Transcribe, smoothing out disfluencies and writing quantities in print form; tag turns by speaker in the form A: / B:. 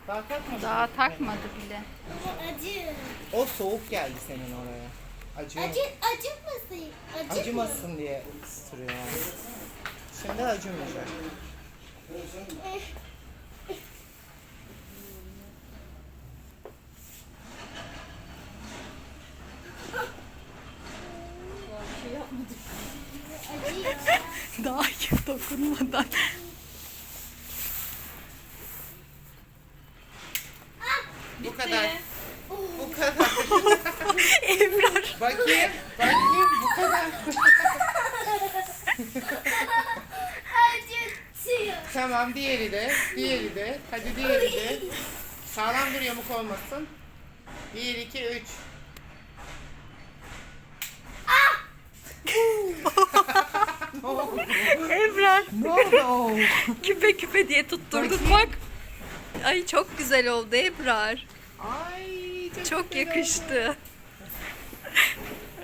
A: Daha takmadı.
B: Daha takmadı bile.
C: Acı.
A: O soğuk geldi senin oraya. Acıyor.
C: Acımasın.
A: Acımasın diye ısıtırıyor yani. Şimdi acımayacak.
C: Acıyor.
B: Daha iyi dokunmadan.
A: Bu kadar. Bu kadar.
B: Ebrar.
A: Bakayım. Bakayım. Bu kadar.
C: Acıtıyor.
A: Tamam, diğeri de. Diğeri de. Hadi diğeri de. Sağlam dur, yamuk olmasın. 1, 2, 3. Ne oldu?
B: Ebrar.
A: Ne oldu?
B: Küpe küpe diye tutturduk bak. Ay çok güzel oldu Ebrar.
A: Ay
B: Çok
A: güzel oldu.
B: yakıştı.